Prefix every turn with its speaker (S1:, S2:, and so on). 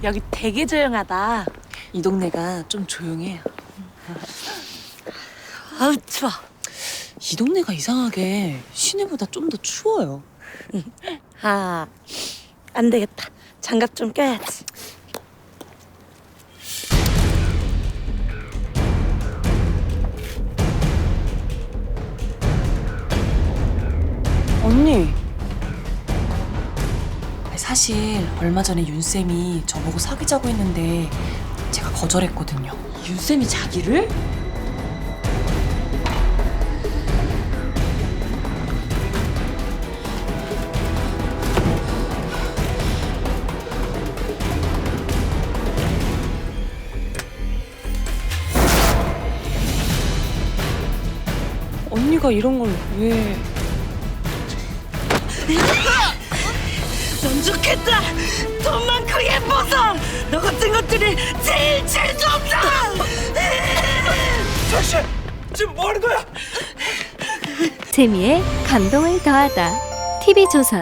S1: 여기 되게 조용하다.
S2: 이 동네가 좀 조용해요.
S1: 아우 추워.
S2: 이 동네가 이상하게 시내보다 좀 더 추워요.
S1: 아, 안 되겠다. 장갑 좀 껴야지.
S2: 언니. 사실 얼마 전에 윤쌤이 저보고 사귀자고 했는데 제가 거절했거든요. 윤쌤이 자기를? 언니가 이런 걸 왜...
S1: 넌 좋겠다. 돈 많고 예뻐서 너 같은 것들이 제일 재수 없다.
S3: 자씨, 지금 뭐 하는 거야?
S4: 재미에 감동을 더하다. TV조선